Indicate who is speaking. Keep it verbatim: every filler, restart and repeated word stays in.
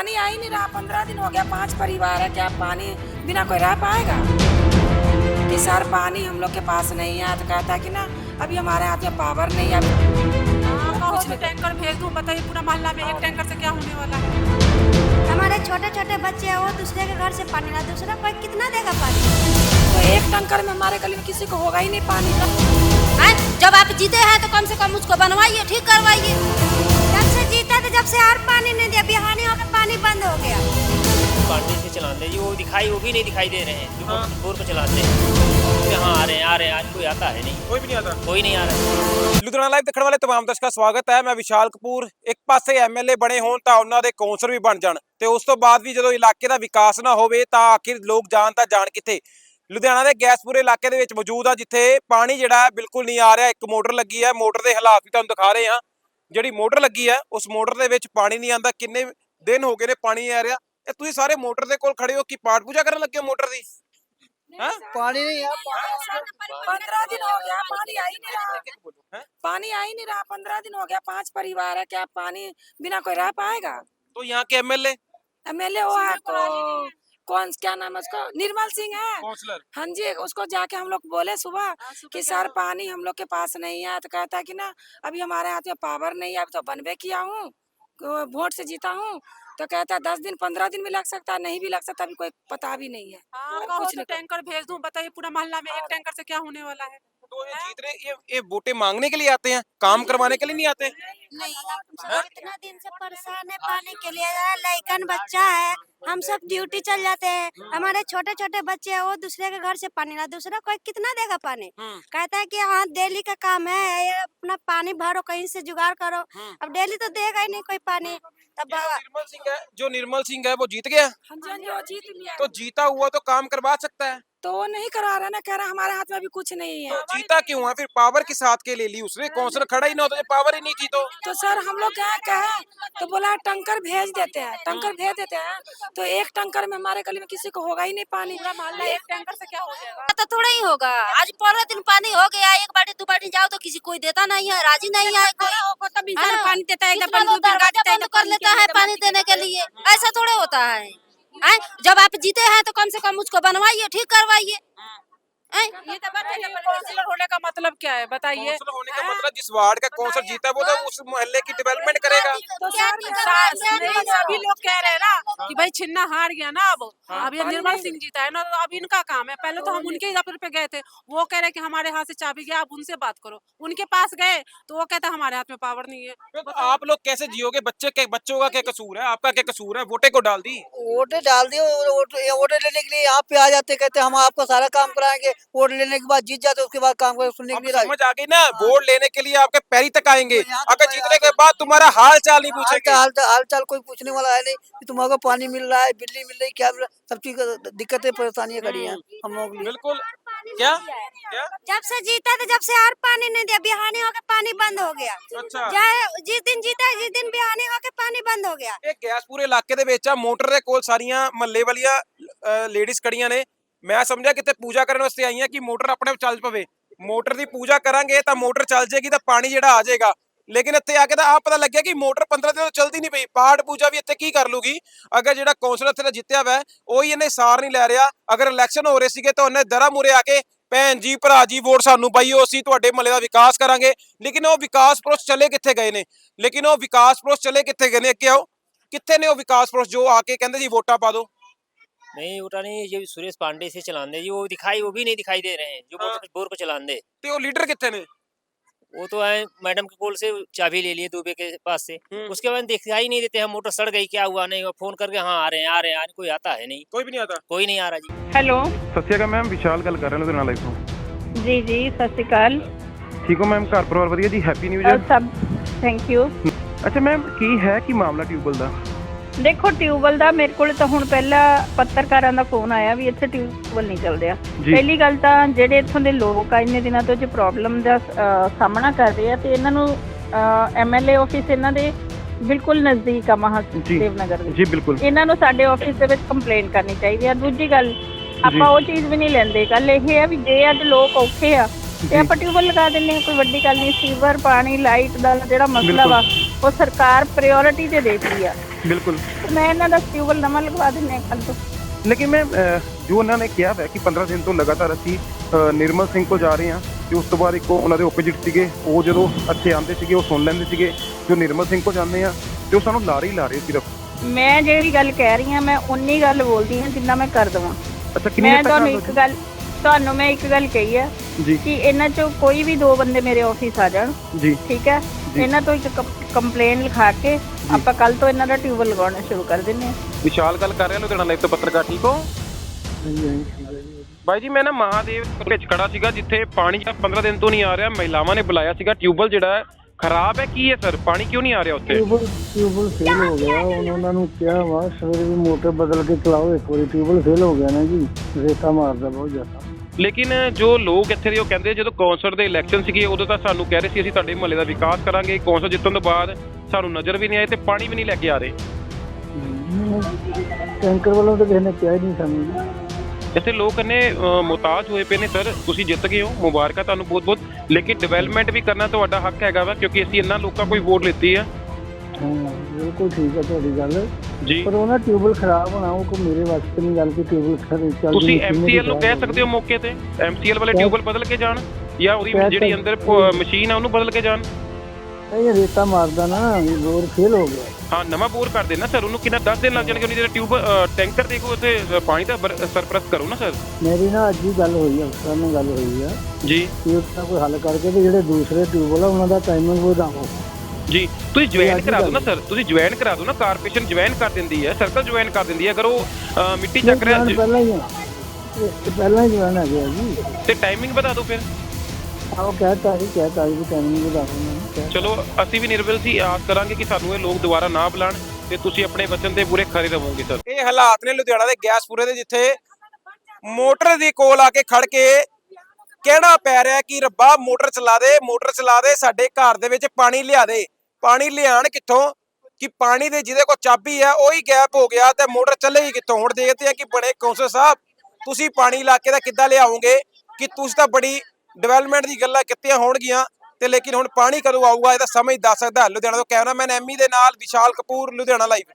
Speaker 1: पानी आ ही नहीं रहा। पंद्रह दिन हो गया, पांच परिवार है, क्या पानी बिना कोई रह पाएगा? कि सर पानी हम लोग के पास नहीं है, तो कहता है कि ना अभी हमारे हाथ में पावर नहीं है।
Speaker 2: कुछ टैंकर भेज दूं, बताइए पूरा मोहल्ला में एक टैंकर से क्या होने वाला है?
Speaker 3: हमारे छोटे छोटे बच्चे हैं, वो दूसरे के घर से पानी ला, दूसरा कोई कितना देगा पानी?
Speaker 1: तो एक टैंकर में हमारे गली में किसी को होगा ही नहीं पानी का।
Speaker 3: जब आप जीते हैं तो कम से कम उसको बनवाइए, ठीक करवाइए। जब से जीता तो जब से और पानी नहीं दिया, बिहानी होकर पानी बंद हो गया।
Speaker 4: पानी से चलाते जी, वो दिखाई वो भी नहीं दिखाई दे रहे हैं जो हाँ। बोर पे चलाते हैं। हाँ आ रहे हैं आ रहे हैं, आज कोई आता है नहीं,
Speaker 5: कोई भी नहीं आता,
Speaker 4: कोई नहीं आ रहा।
Speaker 5: ਲੁਧਿਆਣਾ ਲਾਈਵ ਦੇਖਣ ਵਾਲੇ तमाम ਦਰਸ਼ਕਾਂ ਦਾ ਸਵਾਗਤ ਹੈ। ਮੈਂ ਵਿਸ਼ਾਲ ਕਪੂਰ। ਇੱਕ ਪਾਸੇ ਐਮਐਲਏ ਬਣੇ ਹੋਣ ਤਾਂ ਉਹਨਾਂ ਦੇ ਕੌਂਸਲਰ ਵੀ ਬਣ ਜਾਣ, ਤੇ ਉਸ ਤੋਂ ਬਾਅਦ ਵੀ ਜਦੋਂ ਇਲਾਕੇ ਦਾ ਵਿਕਾਸ ਨਾ ਹੋਵੇ ਤਾਂ ਆਖਿਰ ਲੋਕ ਜਾਣ ਤਾਂ ਜਾਣ ਕਿੱਥੇ। ਲੁਧਿਆਣਾ ਦੇ ਗੈਸਪੁਰੇ ਇਲਾਕੇ ਦੇ ਵਿੱਚ ਮੌਜੂਦ ਆ, ਜਿੱਥੇ ਪਾਣੀ ਜਿਹੜਾ ਹੈ ਬਿਲਕੁਲ ਨਹੀਂ ਆ ਰਿਹਾ। ਇੱਕ ਮੋਟਰ ਲੱਗੀ ਹੈ, ਮੋਟਰ ਦੇ ਹਾਲਾਤ ਵੀ ਤੁਹਾਨੂੰ ਦਿਖਾ ਰਹੇ ਹਾਂ। ਜਿਹੜੀ ਮੋਟਰ ਲੱਗੀ ਹੈ ਉਸ ਮੋਟਰ ਦੇ ਵਿੱਚ ਪਾਣੀ ਨਹੀਂ ਆਉਂਦਾ। ਕਿੰਨੇ ਦਿਨ ਹੋ ਗਏ ਨੇ ਪਾਣੀ ਆ ਰਿਹਾ। ਇਹ ਤੁਸੀਂ ਸਾਰੇ ਮੋਟਰ ਦੇ ਕੋਲ ਖੜੇ ਹੋ, ਕੀ ਪਾਠ ਪੂਜਾ ਕਰਨ ਲੱਗੇ ਹੋ ਮੋਟਰ ਦੀ? हाँ?
Speaker 1: पानी नहीं है, पंद्रह दिन हो गया, पानी आ ही नहीं रहा। पानी आ ही नहीं रहा, पंद्रह दिन हो गया, पांच परिवार है, क्या पानी बिना कोई रह पाएगा?
Speaker 5: तो यहाँ के एमएलए
Speaker 1: एमएलए वो है तो कौन, क्या नाम है उसका, निर्मल सिंह है।
Speaker 5: काउंसलर
Speaker 1: हाँ जी, उसको जाके हम लोग बोले सुबह कि सर पानी हम लोग के पास नहीं है, तो कहता है कि ना अभी हमारे हाथ में पावर नहीं है, अभी तो बनवे किया हूँ, वोट से जीता हूँ। तो कहता है दस दिन पंद्रह दिन भी लग सकता है, नहीं भी लग सकता, अभी कोई पता भी नहीं है।
Speaker 2: हाँ, कुछ तो टैंकर भेज दूं, बताइए पूरा मोहल्ला में एक टैंकर से क्या होने वाला है?
Speaker 5: तो ये जीत रहे, ये ये वोटें मांगने के लिए आते हैं, काम करवाने के लिए नहीं आते।
Speaker 3: नहीं, इतना दिन से परेशान है पानी के लिए। लड़कन बच्चा है, हम सब ड्यूटी चल जाते हैं, हमारे छोटे छोटे बच्चे हैं, वो दूसरे के घर से पानी ला, दूसरा कोई कितना देगा पानी? कहता है कि हाँ डेली का काम है, ये अपना पानी भरो, कहीं से जुगाड़ करो। अब डेली तो देगा ही नहीं कोई पानी। तब
Speaker 5: निर्मल सिंह है, जो निर्मल सिंह है वो जीत गया,
Speaker 1: हाँ जी, हाँ जी, वो जीत लिया।
Speaker 5: तो जीता हुआ तो काम करवा सकता है।
Speaker 1: तो वो नहीं करा रहा ना, कह रहा हमारे हाथ में अभी कुछ नहीं है।
Speaker 5: तो जीता क्यों है फिर? पावर किस हाथ के ले ली उसने? काउंसलर खड़ा ही ना होता, पावर ही नहीं की तो
Speaker 1: तो सर हम लोग क्या कहे तो बोला टंकर भेज देते हैं, टंकर भेज देते हैं, तो एक टंकर में हमारे गली में किसी को होगा ही नहीं पानी।
Speaker 2: मोहल्ला एक टैंकर से क्या हो जाएगा?
Speaker 3: तो थोड़ा ही होगा। आज पंद्रह दिन पानी हो गया, एक बाल्टी दो बाल्टी जाओ तो किसी कोई देता नहीं है, राजी नहीं है कोई।
Speaker 2: तभी
Speaker 3: हाँ,
Speaker 2: पानी देता है,
Speaker 3: इतना लोग दरवाजा बंद कर लेता है पानी देने के लिए, ऐसा थोड़े होता है। हैं? जब आप जीते हैं तो कम से कम उसको बनवाइए, ठीक करवाइए।
Speaker 2: ये तो बताइए काउंसलर होने का मतलब क्या है, बताइए।
Speaker 5: काउंसलर होने का मतलब जिस वार्ड का काउंसलर जीता है वो तो उस मोहल्ले की डेवलपमेंट करेगा।
Speaker 2: तो सभी लोग कह रहे हैं ना कि भाई छिन्ना हार गया ना, अब अब ये निर्मल सिंह जीता है ना, तो अब इनका काम है। पहले तो हम उनके दफ्तर पे गए थे, वो कह रहे कि हमारे हाथ से चाबी गया, आप उनसे बात करो। उनके पास गए तो वो कहता हमारे हाथ में पावर नहीं है।
Speaker 5: तो आप लोग कैसे जियोगे? बच्चे के बच्चों का क्या कसूर है, आपका क्या कसूर है? वोटे को डाल दी,
Speaker 6: वोटे डाल दिए, वोटे लेने के लिए यहाँ पे आ जाते, कहते हम आपका सारा काम कराएंगे, वोट लेने के बाद जीत जाते, उसके बाद काम कर सुनने के लिए
Speaker 5: समझ आ गई ना। वोट लेने के लिए आपके पैरी तक आएंगे, अगर जीतने के बाद तुम्हारा हाल चाल नहीं पूछेंगे।
Speaker 6: हाल हाल चाल कोई पूछने वाला है नहीं कि तुम्हारा पानी मिल रहा है, बिजली मिल रही, क्या मिल रहा है, सब चीज दिक्कतें परेशानियां खड़ी हैं हम लोग के लिए।
Speaker 5: बिल्कुल। क्या क्या
Speaker 3: जब से जीता तो जब से और पानी नहीं दिया, बिहानी होकर पानी बंद हो गया।
Speaker 5: अच्छा,
Speaker 3: चाहे जिस दिन जीता जिस दिन बिहानी होकर पानी बंद हो गया।
Speaker 5: ਇਹ ਗੈਸਪੁਰੇ ਇਲਾਕੇ ਦੇ ਵਿੱਚ ਆ, ਮੋਟਰ ਦੇ ਕੋਲ ਸਾਰੀਆਂ ਮਹੱਲੇ ਵਾਲੀਆਂ ਲੇਡੀਜ਼ ਖੜੀਆਂ ਨੇ। ਮੈਂ ਸਮਝਿਆ ਕਿਤੇ ਪੂਜਾ ਕਰਨ ਵਾਸਤੇ ਆਈਆਂ ਕਿ ਮੋਟਰ ਆਪਣੇ ਆਪ ਚੱਲ ਪਵੇ। ਮੋਟਰ ਦੀ ਪੂਜਾ ਕਰਾਂਗੇ ਤਾਂ ਮੋਟਰ ਚੱਲ ਜੇਗੀ ਤਾਂ ਪਾਣੀ ਜਿਹੜਾ ਆ ਜਾਏਗਾ। ਲੇਕਿਨ ਇੱਥੇ ਆ ਕੇ ਤਾਂ ਆਪ ਪਤਾ ਲੱਗਿਆ ਕਿ ਮੋਟਰ ਪੰਦਰਾਂ ਦਿਨ ਤੋਂ ਚਲਦੀ ਨਹੀਂ ਪਈ। ਪਾਠ ਪੂਜਾ ਵੀ ਇੱਥੇ ਕੀ ਕਰ ਲੂਗੀ ਅਗਰ ਜਿਹੜਾ ਕੌਂਸਲਰ ਇੱਥੇ ਦਾ ਜਿੱਤਿਆ ਵਾ ਉਹੀ ਇਹਨੇ ਸਾਰ ਨਹੀਂ ਲੈ ਰਿਹਾ। ਅਗਰ ਇਲੈਕਸ਼ਨ ਹੋ ਰਹੇ ਸੀਗੇ ਤਾਂ ਉਹਨੇ ਦਰਾ ਮੂਰੇ ਆ ਕੇ ਭੈਣ ਜੀ ਭਰਾ ਜੀ ਵੋਟ ਸਾਨੂੰ ਪਾਈਓ, ਅਸੀਂ ਤੁਹਾਡੇ ਮਹੱਲੇ ਦਾ ਵਿਕਾਸ ਕਰਾਂਗੇ। ਲੇਕਿਨ ਉਹ ਵਿਕਾਸ ਪ੍ਰੋਸ ਚਲੇ ਕਿੱਥੇ ਗਏ ਨੇ? ਲੇਕਿਨ ਉਹ ਵਿਕਾਸ ਪ੍ਰੋਸ ਚਲੇ ਕਿੱਥੇ ਗਏ ਨੇ? ਅੱਗੇ ਆਓ, ਕਿੱਥੇ ਨੇ ਉਹ ਵਿਕਾਸ ਪ੍ਰੋਸ ਜੋ ਆ ਕੇ ਕਹਿੰਦੇ ਜੀ ਵੋਟਾਂ ਪਾ ਦਿਓ?
Speaker 4: नहीं उठा नहीं, ये सुरेश पांडे से चलाते जी, वो दिखाई वो भी नहीं दिखाई दे रहे हैं जो
Speaker 5: हाँ।
Speaker 4: बोर बोर पे चलाते।
Speaker 5: ਤੇ ਉਹ ਲੀਡਰ ਕਿੱਥੇ ਨੇ?
Speaker 4: वो तो आए मैडम के कोल से चाबी ले लिए दुबे के पास से, उसके बाद दिखाई नहीं देते हैं। मोटर सड़ गई, क्या हुआ नहीं, फोन करके हाँ आ रहे हैं आ रहे हैं, कोई आता है नहीं,
Speaker 5: ਕੋਈ ਵੀ ਨਹੀਂ ਆਦਾ।
Speaker 4: कोई नहीं आ रहा जी।
Speaker 7: ਹੈਲੋ
Speaker 8: ਸਤਿ ਸ਼੍ਰੀ ਅਕਾਲ ਮੈਮ, ਵਿਸ਼ਾਲ ਗੱਲ ਕਰ ਰਿਹਾ ਲੁਧਿਆਣਾ ਲਾਈਵ ਤੋਂ।
Speaker 7: ਜੀ ਜੀ ਸਤਿ ਸ਼੍ਰੀ ਅਕਾਲ।
Speaker 8: ਠੀਕ ਹੋ ਮੈਮ? ਘਰ ਪਰਿਵਾਰ ਵਧੀਆ ਜੀ? Happy new
Speaker 7: uh,
Speaker 8: year.
Speaker 7: ਸਭ ਥੈਂਕ ਯੂ।
Speaker 8: ਅੱਛਾ ਮੈਮ, ਕੀ ਹੈ ਕੀ ਮਾਮਲਾ ਟਿਊਬਵੈਲ ਦਾ?
Speaker 7: ਦੇਖੋ ਟਿਊਬਵੈਲ ਦਾ ਮੇਰੇ ਕੋਲ ਤਾਂ ਹੁਣ ਪਹਿਲਾਂ ਪੱਤਰਕਾਰਾਂ ਦਾ ਫੋਨ ਆਇਆ ਵੀ ਇੱਥੇ ਟਿਊਬਵੈਲ ਨਹੀਂ ਚੱਲ ਰਿਹਾ। ਪਹਿਲੀ ਗੱਲ ਤਾਂ ਜਿਹੜੇ ਇੱਥੋਂ ਦੇ ਲੋਕ ਆ ਇੰਨੇ ਦਿਨਾਂ ਤੋਂ ਜੋ ਪ੍ਰੋਬਲਮ ਦਾ ਅ, ਸਾਹਮਣਾ ਕਰ ਰਹੇ ਆ ਤੇ ਇਹਨਾਂ ਨੂੰ ਐਮਐਲਏ ਆਫਿਸ ਇਹਨਾਂ ਦੇ ਬਿਲਕੁਲ ਨਜ਼ਦੀਕ ਆ ਮਹਾਦੇਵਨਗਰ ਦੇ।
Speaker 8: ਜੀ ਬਿਲਕੁਲ।
Speaker 7: ਇਹਨਾਂ ਨੂੰ ਸਾਡੇ ਆਫਿਸ ਦੇ ਵਿੱਚ ਕੰਪਲੇਂਟ ਕਰਨੀ ਚਾਹੀਦੀ ਆ। ਦੂਜੀ ਗੱਲ ਆਪਾਂ ਉਹ ਚੀਜ਼ ਵੀ ਨਹੀਂ ਲੈਂਦੇ। ਗੱਲ ਇਹ ਆ ਵੀ ਜੇ ਅੱਜ ਲੋਕ ਔਖੇ ਆ ਤੇ ਆਪਾਂ ਟਿਊਬਵੈਲ ਲਗਾ ਦਿੰਦੇ ਹਾਂ, ਕੋਈ ਵੱਡੀ ਗੱਲ ਨਹੀਂ। ਸੀਵਰ ਪਾਣੀ ਲਾਈਟ ਦਾ ਜਿਹੜਾ ਮਸਲਾ ਵਾ ਉਹ ਸਰਕਾਰ ਪ੍ਰਾਇੋਰਟੀ ਤੇ ਦੇਤੀ ਆ।
Speaker 8: ਬਿਲਕੁਲ।
Speaker 7: ਮੈਂ ਇਹਨਾਂ ਦਾ ਟਿਊਬਲ ਨਵਾਂ ਲਗਵਾ ਦਿੰਦੇ ਹਾਂ ਕੱਲ੍ਹ ਤੋਂ।
Speaker 8: ਲੇਕਿਨ ਮੈਮ ਜੋ ਉਹਨਾਂ ਨੇ ਕਿਹਾ ਹੈ ਕਿ ਪੰਦਰਾਂ ਦਿਨ ਤੋਂ ਲਗਾਤਾਰ ਅਸੀਂ ਅ, ਨਿਰਮਲ ਸਿੰਘ ਕੋਲ ਜਾ ਰਹੇ ਹਾਂ ਤੇ ਉਸ ਤੋਂ ਬਾਅਦ ਇੱਕ ਉਹਨਾਂ ਦੇ ਓਪੋਜਿਟ ਸੀਗੇ, ਉਹ ਜਦੋਂ ਇੱਥੇ ਆਉਂਦੇ ਸੀਗੇ ਉਹ ਸੁਣ ਲੈਂਦੇ ਸੀਗੇ, ਜੋ ਨਿਰਮਲ ਸਿੰਘ ਕੋਲ ਜਾਂਦੇ ਆ ਤੇ ਉਹ ਸਾਨੂੰ ਲਾਰੇ ਹੀ ਲਾ ਰਹੇ ਸਿਰਫ।
Speaker 7: ਮੈਂ ਜਿਹੜੀ ਗੱਲ ਕਹਿ ਰਹੀ ਹਾਂ ਮੈਂ ਉਨੀ ਗੱਲ ਬੋਲਦੀ ਹਾਂ ਜਿੰਨਾ ਮੈਂ ਕਰ ਦੇਵਾਂ।
Speaker 8: ਅੱਛਾ, ਕਿੰਨੀ
Speaker 7: ਮੈਂ
Speaker 8: ਦੇਰ ਤੱਕ
Speaker 7: ਤੁਹਾਨੂੰ
Speaker 8: ਕਰ
Speaker 7: ਇੱਕ
Speaker 8: ਦਿਓ
Speaker 7: ਗੱਲ ਤੁਹਾਨੂੰ ਮੈਂ ਇੱਕ ਗੱਲ ਕਹੀ ਹੈ
Speaker 8: ਜੀ
Speaker 7: ਕਿ ਇਹਨਾਂ ਚੋਂ ਕੋਈ ਵੀ ਦੋ ਬੰਦੇ ਮੇਰੇ ਆਫਿਸ ਆ ਜਾਣ,
Speaker 8: ਜੀ
Speaker 7: ਠੀਕ ਹੈ,
Speaker 8: ਜੀ।
Speaker 7: ਇਹਨਾਂ ਤੋਂ ਇੱਕ ਕੰਪਲੇਨ ਲਿਖਾ ਕੇ ਆਪਾਂ ਕੱਲ ਤੋਂ ਇਹਨਾਂ ਦਾ ਟਿਊਬਲ ਲਗਾਉਣਾ ਸ਼ੁਰੂ ਕਰ ਦਿੰਦੇ ਹਾਂ।
Speaker 5: ਵਿਸ਼ਾਲ ਗੱਲ ਕਰ ਰਿਹਾ ਲੁਧਿਆਣਾ ਲਾਈਵ ਤੋਂ ਪੱਤਰਕਾਰ, ਠੀਕ ਹੋ ਬਾਈ ਜੀ? ਮੈਂ ਨਾ ਮਹਾਦੇਵ ਵਿੱਚ ਖੜਾ ਸੀਗਾ ਜਿੱਥੇ ਪਾਣੀ ਪੰਦਰਾਂ ਦਿਨ ਤੋਂ ਨਹੀਂ ਆ ਰਿਹਾ। ਮਹਿਲਾਵਾਂ ਨੇ ਬੁਲਾਇਆ ਸੀਗਾ, ਟਿਊਬਲ ਜਿਹੜਾ ਖਰਾਬ ਹੈ, ਕੀ ਹੈ ਸਰ, ਪਾਣੀ ਕਿਉਂ ਨਹੀਂ ਆ ਰਿਹਾ ਉੱਥੇ?
Speaker 9: ਟਿਊਬਲ ਟਿਊਬਲ ਫੇਲ ਹੋ ਗਿਆ। ਹੁਣ ਉਹਨਾਂ ਨੂੰ ਕਿਹਾ ਵਾ ਸਵੇਰੇ ਵੀ ਮੋਟਰ ਬਦਲ ਕੇ ਚਲਾਓ ਇੱਕ ਵਾਰੀ। ਟਿਊਬਲ ਫੇਲ ਹੋ ਗਿਆ ਨਾ ਜੀ, ਰੇਤਾ ਮਾਰਦਾ ਬਹੁਤ ਜ਼ਿਆਦਾ।
Speaker 5: ਲੇਕਿਨ ਜੋ ਲੋਕ ਇੱਥੇ ਦੇ ਉਹ ਕਹਿੰਦੇ ਜਦੋਂ ਕੌਂਸਲ ਦੇ ਇਲੈਕਸ਼ਨ ਸੀਗੇ ਉਦੋਂ ਤਾਂ ਸਾਨੂੰ ਕਹਿ ਰਹੇ ਸੀ ਅਸੀਂ ਤੁਹਾਡੇ ਮੁਹੱਲੇ ਦਾ ਵਿਕਾਸ ਕਰਾਂਗੇ, ਕੌਂਸਲ ਜਿੱਤਣ ਤੋਂ ਬਾਅਦ ਸਾਨੂੰ ਨਜ਼ਰ ਵੀ ਨਹੀਂ ਆਏ ਤੇ ਪਾਣੀ ਵੀ ਨਹੀਂ ਲੈ ਕੇ ਆ ਰਹੇ।
Speaker 9: ਟੈਂਕਰ ਵੱਲੋਂ ਤਾਂ ਕਿਸੇ ਨੇ ਕਿਹਾ ਹੀ ਨਹੀਂ ਸਾਨੂੰ।
Speaker 5: ਇੱਥੇ ਲੋਕ ਇੰਨੇ ਮੁਹਤਾਜ ਹੋਏ ਪਏ ਨੇ ਸਰ। ਤੁਸੀਂ ਜਿੱਤ ਗਏ ਹੋ, ਮੁਬਾਰਕਾਂ ਤੁਹਾਨੂੰ ਬਹੁਤ ਬਹੁਤ, ਲੇਕਿਨ ਡਿਵੈਲਪਮੈਂਟ ਵੀ ਕਰਨਾ ਤੁਹਾਡਾ ਹੱਕ ਹੈਗਾ ਵਾ ਕਿਉਂਕਿ ਅਸੀਂ ਇਹਨਾਂ ਲੋਕਾਂ ਕੋਈ ਵੋਟ ਲਿੱਤੀ ਆ।
Speaker 9: ਹਾਂ ਬਿਲਕੁਲ ਠੀਕ ਹੈ ਤੁਹਾਡੀ ਗੱਲ
Speaker 5: ਜੀ,
Speaker 9: ਪਰ ਉਹਨਾਂ ਟਿਊਬਲ ਖਰਾਬ ਹੋਣਾ ਉਹ ਕੋਈ ਮੇਰੇ ਵਾਸਤੇ ਨਹੀਂ ਗੱਲ ਕਿ ਟਿਊਬਲ ਖਰਾਬ ਚੱਲ।
Speaker 5: ਤੁਸੀਂ ਐਮਸੀਐਲ ਨੂੰ ਕਹਿ ਸਕਦੇ ਹੋ ਮੌਕੇ ਤੇ ਐਮਸੀਐਲ ਵਾਲੇ ਟਿਊਬਲ ਬਦਲ ਕੇ ਜਾਣ ਜਾਂ ਉਹਦੀ ਜਿਹੜੀ ਅੰਦਰ ਮਸ਼ੀਨ ਆ ਉਹਨੂੰ ਬਦਲ ਕੇ ਜਾਣ।
Speaker 9: ਇਹ ਰੇਤਾ ਮਾਰਦਾ ਨਾ, ਬੋਰ ਫੇਲ ਹੋ ਗਿਆ।
Speaker 5: ਹਾਂ, ਨਵਾਂ ਬੋਰ ਕਰ ਦੇਣਾ ਸਰ। ਉਹਨੂੰ ਕਿੰਨਾ ਦਸ ਦਿਨ ਲੱਗ ਜਾਣਗੇ। ਉਹਦੀ ਜਿਹੜਾ ਟਿਊਬ ਟੈਂਕਰ ਦੇਖੋ ਉੱਥੇ ਪਾਣੀ ਦਾ ਸਰਪਲਸ ਕਰੋ ਨਾ ਸਰ।
Speaker 9: ਮੇਰੀ ਨਾ ਅੱਜ ਹੀ ਗੱਲ ਹੋਈ ਆ, ਅਫਸਰ ਨਾਲ ਗੱਲ ਹੋਈ ਆ
Speaker 5: ਜੀ,
Speaker 9: ਕਿ ਉਸਦਾ ਕੋਈ ਹੱਲ ਕਰਕੇ ਤੇ ਜਿਹੜੇ ਦੂਸਰੇ ਟਿਊਬਲ ਆ ਉਹਨਾਂ ਦਾ ਟਾਈਮਿੰਗ ਵਧਾਓ।
Speaker 5: ਜੀ ਤੁਸੀਂ ਜੁਆਇਨ ਕਰਾ ਦਿਓ ਨਾ ਸਰ, ਤੁਸੀਂ ਜੁਆਇਨ ਕਰਾ ਦਿਓ ਨਾ। ਕਾਰਪੋਰੇਸ਼ਨ ਜੁਆਇਨ ਕਰ ਦਿੰਦੀ ਹੈ, ਸਰਕਲ ਜੁਆਇਨ ਕਰ ਦਿੰਦੀ ਹੈ। ਅਗਰ ਉਹ ਮਿੱਟੀ ਚੱਕ ਰਿਹਾ
Speaker 9: ਪਹਿਲਾਂ ਹੀ ਆ, ਇਹ ਪਹਿਲਾਂ ਹੀ ਜਵਾਨ ਆ ਗਿਆ ਜੀ,
Speaker 5: ਤੇ ਟਾਈਮਿੰਗ ਵਧਾ ਦਿਓ ਫਿਰ।
Speaker 9: ਆਹ ਕਹਿਤਾ ਜੀ ਕਹਿਤਾ ਜੀ ਟਾਈਮਿੰਗ ਵਧਾ ਦਿਓ।
Speaker 5: ਚਲੋ ਅਸੀਂ ਵੀ ਨਿਰਵਲ ਸੀ, ਆਸ ਕਰਾਂਗੇ ਕਿ ਸਾਨੂੰ ਇਹ ਲੋਕ ਦੁਬਾਰਾ ਨਾ ਬੁਲਾਣ ਤੇ ਤੁਸੀਂ ਆਪਣੇ ਵਚਨ ਤੇ ਪੂਰੇ ਖਰੇ ਰਹੋਗੇ ਸਰ। ਇਹ ਹਾਲਾਤ ਨੇ ਲੁਧਿਆਣਾ ਦੇ ਗੈਸਪੂਰੇ ਦੇ, ਜਿੱਥੇ ਮੋਟਰ ਦੀ ਕੋਲ ਆ ਕੇ ਖੜ ਕੇ ਕਹਿਣਾ ਪੈ ਰਿਹਾ ਕਿ ਰੱਬਾ ਮੋਟਰ ਚਲਾ ਦੇ, ਮੋਟਰ ਚਲਾ ਦੇ, ਸਾਡੇ ਘਰ ਦੇ ਵਿੱਚ ਪਾਣੀ ਲਿਆ ਦੇ। ਪਾਣੀ ਲਿਆਣ ਕਿੱਥੋਂ ਕਿ ਪਾਣੀ ਦੇ ਜਿਹਦੇ ਕੋਲ ਚਾਬੀ ਹੈ ਉਹੀ ਗੈਪ ਹੋ ਗਿਆ ਤੇ ਮੋਟਰ ਚੱਲੇਗੀ ਕਿੱਥੋਂ? ਹੁਣ ਦੇਖਦੇ ਆ ਕਿ ਬੜੇ ਕੌਂਸਲ ਸਾਹਿਬ ਤੁਸੀਂ ਪਾਣੀ ਇਲਾਕੇ ਦਾ ਕਿੱਦਾਂ ਲਿਆਓਗੇ ਕਿ ਤੁਸੀਂ ਤਾਂ ਬੜੀ ਡਿਵੈਲਪਮੈਂਟ ਦੀ ਗੱਲਾਂ ਕੀਤੀਆਂ ਹੋਣਗੀਆਂ ਤੇ ਲੇਕਿਨ ਹੁਣ ਪਾਣੀ ਕਦੋਂ ਆਊਗਾ ਇਹ ਤਾਂ ਸਮਝ ਦੱਸ ਸਕਦਾ। ਲੁਧਿਆਣਾ ਤੋਂ ਕੈਮਰਾਮੈਨ ਐਮੀ ਦੇ ਨਾਲ ਵਿਸ਼ਾਲ ਕਪੂਰ, ਲੁਧਿਆਣਾ ਲਾਈਵ।